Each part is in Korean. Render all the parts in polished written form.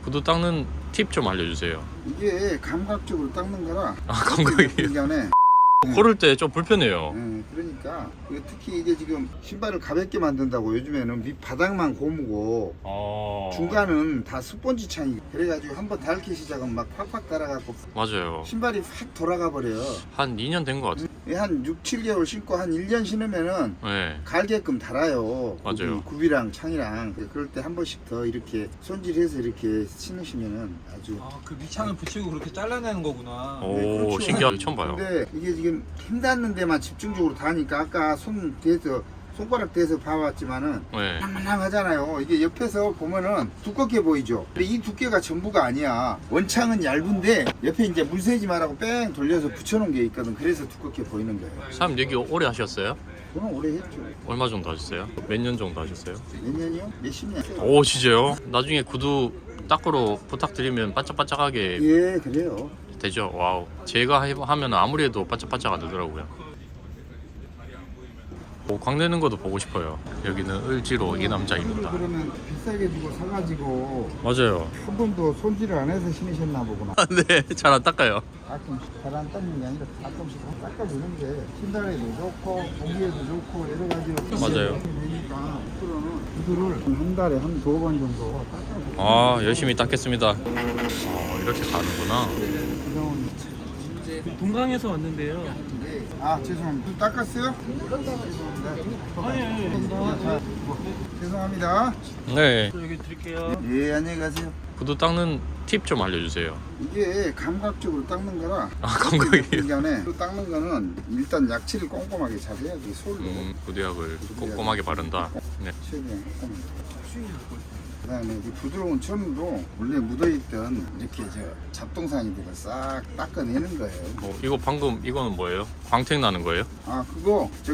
구두 닦는 팁 좀 알려주세요. 이게 감각적으로 닦는 거라. 아, 감각이에요? 전에 걸을 때 좀 불편해요. 그러니까 특히 이게 지금 신발을 가볍게 만든다고 요즘에는 밑바닥만 고무고 중간은 다 스펀지 창이 그래가지고 한번 닳기 시작하면 막 팍팍 달아갖고 맞아요. 신발이 확 돌아가 버려요. 한 2년 된 것 같아요. 한 6, 7개월 신고 한 1년 신으면은 네. 갈게끔 달아요. 맞아요. 굽이랑 창이랑. 그럴 때 한 번씩 더 이렇게 손질해서 이렇게 신으시면은 아주. 그 밑창을 붙이고 그렇게 잘라내는 거구나. 오, 네, 그렇죠. 신기하게 처음 봐요. 근데 이게 지금 힘 닿는 데만 집중적으로 닿으니까 아까 손 대서 손가락 대서 봐봤지만은 네. 낭낭하잖아요. 이게 옆에서 보면은 두껍게 보이죠. 근데 이 두께가 전부가 아니야. 원창은 얇은데 옆에 이제 물 새지 말라고 뺑 돌려서 붙여놓은 게 있거든. 그래서 두껍게 보이는 거예요. 사장님 여기 오래 하셨어요? 저는 오래 했죠. 얼마 정도 하셨어요? 몇 년 정도 하셨어요? 몇 년이요? 몇십 년. 오, 진짜요? 나중에 구두 닦으러 부탁드리면 반짝반짝하게 예, 그래요. 되죠? 와우. 제가 하면 아무리 해도 반짝반짝 안 되더라고요. 오, 광내는 것도 보고 싶어요. 여기는 을지로 이 남자입니다. 그러면 비싸게 주고 사가지고 맞아요. 한 번도 손질을 안 해서 신으셨나 보구나. 네, 잘 안 닦아요. 가끔씩 잘 안 닦는 게 아니라 가끔씩 닦아주는 게 신발에도 좋고 공기에도 좋고 여러 가지로 맞아요. 되니까 구두를 한 달에 한 두 번 정도 닦아주고. 아, 열심히 닦겠습니다. 이렇게 가는구나. 동강에서 왔는데요. 아, 죄송합니다. 구두 닦았어요? 죄송합니다. 네. 여기 드릴게요. 예, 안녕히 가세요. 구두 닦는 팁 좀 알려주세요. 이게 감각적으로 닦는 거라. 아, 감각이에요? 전에 닦는 거는 일단 약칠을 꼼꼼하게 잘 해야지 솔로. 구두약을 꼼꼼하게 바른다. 네. 최대한 꼼꼼하게. 그다음에 이 부드러운 천으로 원래 묻어있던 이렇게 잡동사니들을 싹 닦아내는 거예요. 이거 방금 이거는 뭐예요? 광택 나는 거예요? 아, 그거 저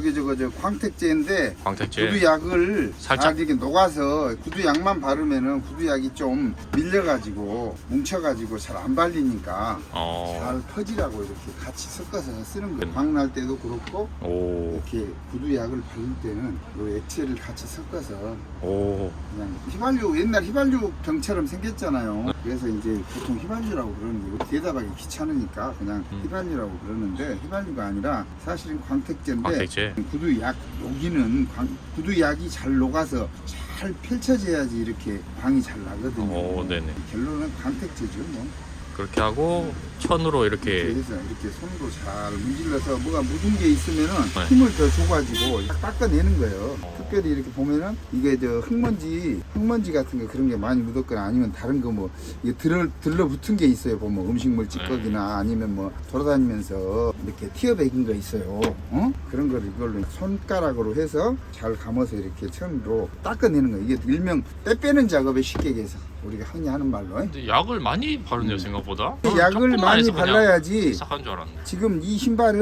광택제인데 광택제. 구두약을 살짝? 잘 이렇게 녹아서 구두약만 바르면은 구두약이 좀 밀려가지고 뭉쳐가지고 잘 안 발리니까 잘 퍼지라고 이렇게 같이 섞어서 쓰는 거예요. 광날 때도 그렇고 오. 이렇게 구두약을 바를 때는 이 액체를 같이 섞어서 오. 그냥 휘발유 옛날 휘발유 병처럼 생겼잖아요. 그래서 이제 보통 휘발유라고 그러는 게 대답하기 귀찮으니까 그냥 휘발유라고 그러는데 휘발유가 아니라 사실은 광택제인데 광택제. 구두약 여기는 구두약이 잘 녹아서 잘 펼쳐져야지 이렇게 광이 잘 나거든요. 오, 네네. 결론은 광택제죠. 뭐. 그렇게 하고 천으로 이렇게. 그래서 이렇게 손으로 잘 문질러서 뭐가 묻은 게 있으면은 네. 힘을 더 줘가지고 딱 닦아내는 거예요. 특별히 이렇게 보면은 이게 흙먼지 같은 거 그런 게 많이 묻었거나 아니면 다른 거 뭐 이게 들러붙은 게 있어요. 보면 음식물 찌꺼기나 아니면 뭐 돌아다니면서 이렇게 튀어배긴 거 있어요. 그런 거를 이걸로 손가락으로 해서 잘 감아서 이렇게 천으로 닦아내는 거예요. 이게 일명 때 빼는 작업에 쉽게 해서 우리가 흔히 하는 말로. 근데 약을 많이 바르네요, 생각보다. 약을 조금만 많이 해서 그냥 발라야지. 싹한 줄 알았네. 지금 이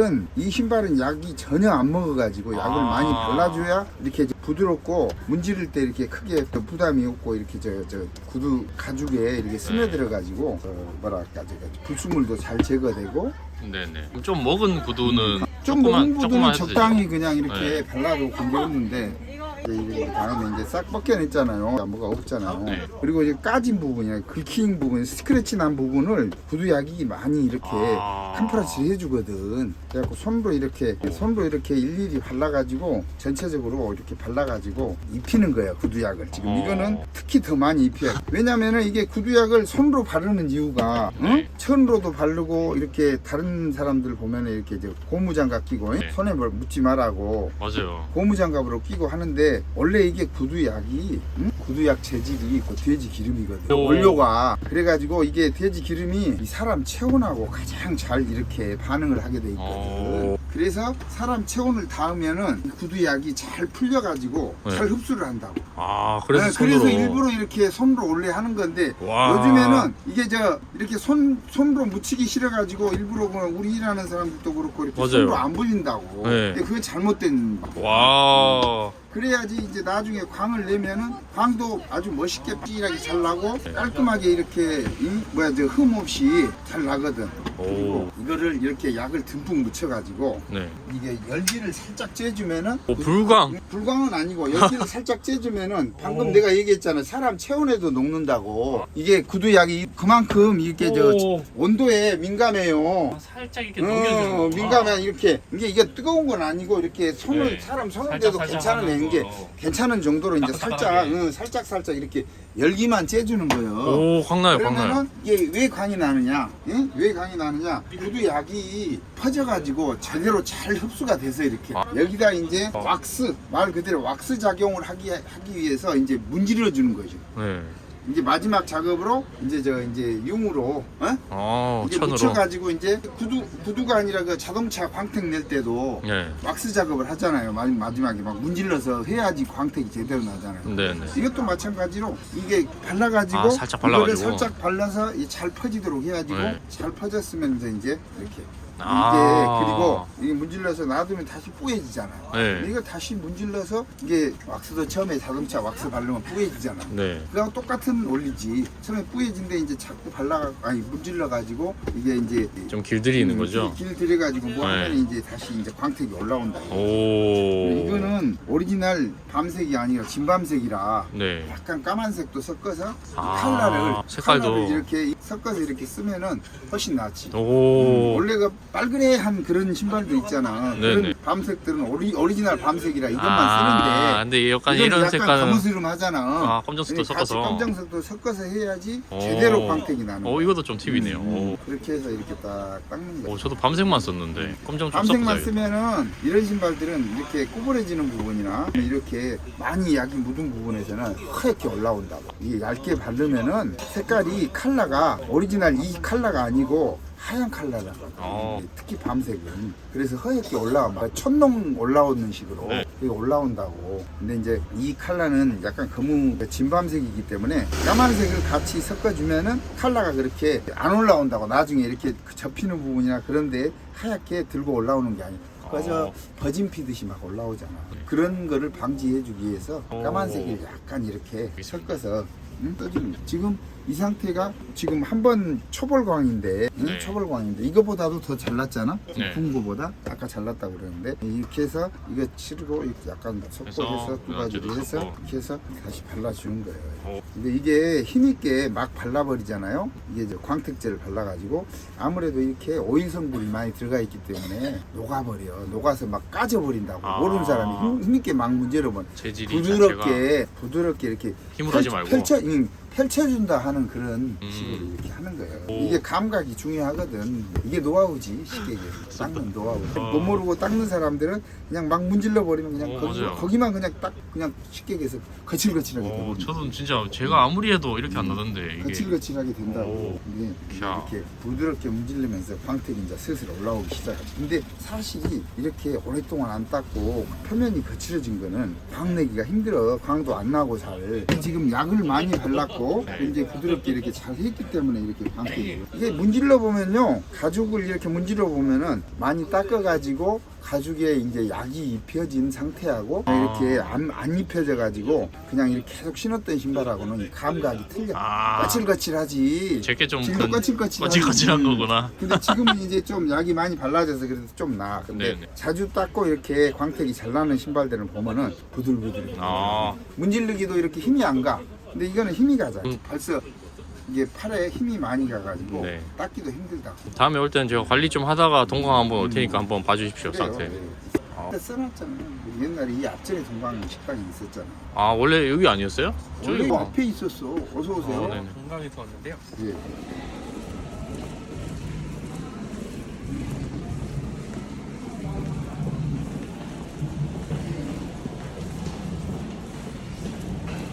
신발은 약이 전혀 안 먹어가지고 약을 많이 발라줘야 이렇게 부드럽고 문지를 때 이렇게 크게 부담이 없고 이렇게 저 구두 가죽에 이렇게 스며들어가지고 뭐랄까 불순물도 잘 제거되고. 네네. 좀 먹은 구두는 좀 먹은 구두는 해도 적당히 되죠? 그냥 이렇게 네. 발라도 관계없는데 이제 다음에 이제 싹 벗겨냈잖아요. 뭐가 없잖아요. 네. 그리고 이제 까진 부분이나 긁힌 부분, 스크래치 난 부분을 구두약이 많이 이렇게 캄프라치를 해주거든. 그래갖고 손으로 이렇게 일일이 발라가지고 전체적으로 이렇게 발라가지고 입히는 거예요. 구두약을. 지금 이거는 특히 더 많이 입혀요. 왜냐면은 이게 구두약을 손으로 바르는 이유가 천으로도 바르고 이렇게 다른 사람들 보면은 이렇게 고무장갑 끼고 네. 손에 뭘 묻지 말라고 맞아요. 고무장갑으로 끼고 하는데 원래 이게 구두약이 구두약 재질이 그 돼지 기름이거든요. 원료가. 그래가지고 이게 돼지 기름이 이 사람 체온하고 가장 잘 이렇게 반응을 하게 돼 있거든. 그래서 사람 체온을 닿으면은 이 구두약이 잘 풀려가지고 네. 잘 흡수를 한다고. 그래서 손으로. 그래서 일부러 이렇게 손으로 원래 하는 건데 와. 요즘에는 이게 이렇게 손으로 묻히기 싫어가지고 일부러 우리 일하는 사람들도 그렇고 이렇게 맞아요. 손으로 안 불린다고. 네. 근데 그게 잘못된. 와. 그래야지 이제 나중에 광을 내면은 광도 아주 멋있게 삐일하게 잘 나고 깔끔하게 이렇게 흠 없이 잘 나거든. 그리고 이거를 이렇게 약을 듬뿍 묻혀가지고 네. 이게 열기를 살짝 쬐주면은 불광. 불광은 아니고 열기를 살짝 쬐주면은 방금 내가 얘기했잖아. 사람 체온에도 녹는다고. 이게 구두약이 그만큼 이렇게 온도에 민감해요. 살짝 이렇게 민감해 이렇게 이게 뜨거운 건 아니고 이렇게 손을 사람 손을 대도 괜찮은 애인 괜찮은 정도로 이제 살짝 이렇게 열기만 쬐주는 거예요. 오, 광나요, 광나요. 그러면은 이게 왜 광이 나느냐? 응? 왜 광이 나느냐? 구두 약이 퍼져가지고 제대로 잘 흡수가 돼서 이렇게 여기다 이제 왁스 말 그대로 왁스 작용을 하기 위해서 이제 문질러 주는 거죠. 네. 이제 마지막 작업으로 이제 융으로 이게 천으로. 묻혀가지고 이제 구두가 아니라 그 자동차 광택 낼 때도 네. 왁스 작업을 하잖아요. 마지막에 막 문질러서 해야지 광택이 제대로 나잖아요. 네, 네. 이것도 마찬가지로 이게 발라가지고 살짝 발라가지고. 이거를 살짝 발라서 잘 퍼지도록 해가지고 네. 잘 퍼졌으면 이제 이렇게 아. 그리고 이게 문질러서 놔두면 다시 뿌얘지잖아요. 네. 이거 다시 문질러서 이게 왁스도 처음에 자동차 왁스 바르면 뿌얘지잖아. 네. 그거랑 똑같은 원리지. 처음에 뿌얘진데 이제 자꾸 문질러 가지고 이게 이제 좀 길들이는 거죠? 길 들여가지고 뭐 하면 이제 다시 이제 광택이 올라온다. 오. 이거는 오리지널 밤색이 아니라 진밤색이라 네. 약간 까만색도 섞어서 아, 색깔도. 이렇게 섞어서 이렇게 쓰면은 훨씬 낫지. 오. 원래가 빨그레한 그런 신발도 있잖아. 네네. 그런 밤색들은 오리지널 밤색이라 이것만 근데 약간 쓰는데 이런 약간 색깔은 가무스름하잖아. 검정색도 같이 섞어서. 검정색도 섞어서 해야지 오. 제대로 광택이 나는 거야. 이것도 좀 팁이네요. 오. 그렇게 해서 이렇게 딱 닦는 거야. 저도 밤색만 썼는데 검정 좀 밤색만 섞어서. 쓰면은 이런 신발들은 이렇게 구부러지는 부분이나 이렇게 많이 약이 묻은 부분에서는 하얗게 올라온다고. 이게 얇게 바르면은 색깔이 컬러가 오리지널 이 컬러가 아니고 하얀 컬러라고. 특히 밤색은 그래서 하얗게 올라와. 촌농 올라오는 식으로 네. 그게 올라온다고. 근데 이제 이 컬러는 약간 검은 진밤색이기 때문에 까만색을 같이 섞어주면은 컬러가 그렇게 안 올라온다고. 나중에 이렇게 접히는 부분이나 그런데 하얗게 들고 올라오는 게 아니고 그저 버진 피듯이 막 올라오잖아. 그런 거를 방지해주기 위해서 까만색을 약간 이렇게 섞어서 떠주는. 지금 이 상태가 지금 한번 초벌광인데, 네. 초벌광인데 이거보다도 더 잘났잖아. 네. 군 거보다 아까 잘났다고 그러는데 이렇게 해서 이거 치르고 이렇게 약간 섞어서 두 가지로 해서 이렇게 해서 다시 발라주는 거예요. 근데 이게 힘있게 막 발라버리잖아요. 이게 이제 광택제를 발라가지고 아무래도 이렇게 오일 성분이 많이 들어가 있기 때문에 녹아버려. 녹아서 막 까져버린다고. 모르는 사람이 힘있게 막 문제로만 재질이 부드럽게 이렇게 힘으로 하지 말고 펼쳐준다 하는 그런 식으로 이렇게 하는 거예요. 이게 감각이 중요하거든. 이게 노하우지, 쉽게 얘기해서. 닦는 노하우. 못 모르고 닦는 사람들은 그냥 막 문질러 버리면 그냥 거기만 그냥 딱 그냥 쉽게 얘기해서 거칠거칠하게 되고. 저도 진짜 제가 아무리 해도 이렇게 안 나던데 이게. 거칠거칠하게 된다고. 이게 이렇게 부드럽게 문질르면서 광택이 이제 슬슬 올라오기 시작하지. 근데 사실 이렇게 오랫동안 안 닦고 표면이 거칠어진 거는 광 내기가 힘들어. 광도 안 나고 잘. 지금 약을 많이 발랐고 이제 부드럽게 이렇게 잘 했기 때문에 이렇게 광택이. 이게 문질러 보면요, 가죽을 이렇게 문질러 보면은 많이 닦아가지고 가죽에 이제 약이 입혀진 상태하고 이렇게 안 입혀져 가지고 그냥 이렇게 계속 신었던 신발하고는 이 감각이 틀려. 거칠거칠하지. 제게 좀 지금 거칠거칠한 거구나. 근데 지금은 이제 좀 약이 많이 발라져서 그래도 좀 나아. 근데 네네. 자주 닦고 이렇게 광택이 잘 나는 신발들을 보면은 부들부들해. 문질르기도 이렇게 힘이 안 가. 근데 이거는 힘이 가잖아. 벌써 이게 팔에 힘이 많이 가가지고 네. 닦기도 힘들다. 다음에 올 때는 제가 관리 좀 하다가 동강 한번 올 테니까 한번 봐주십시오. 그래요. 상태. 근데 써놨잖아. 옛날에 이 앞전에 동강 식당이 있었잖아. 원래 여기 아니었어요? 원래 뭐 앞에 있었어. 어서 오세요. 네네. 건강에서 왔는데요. 예.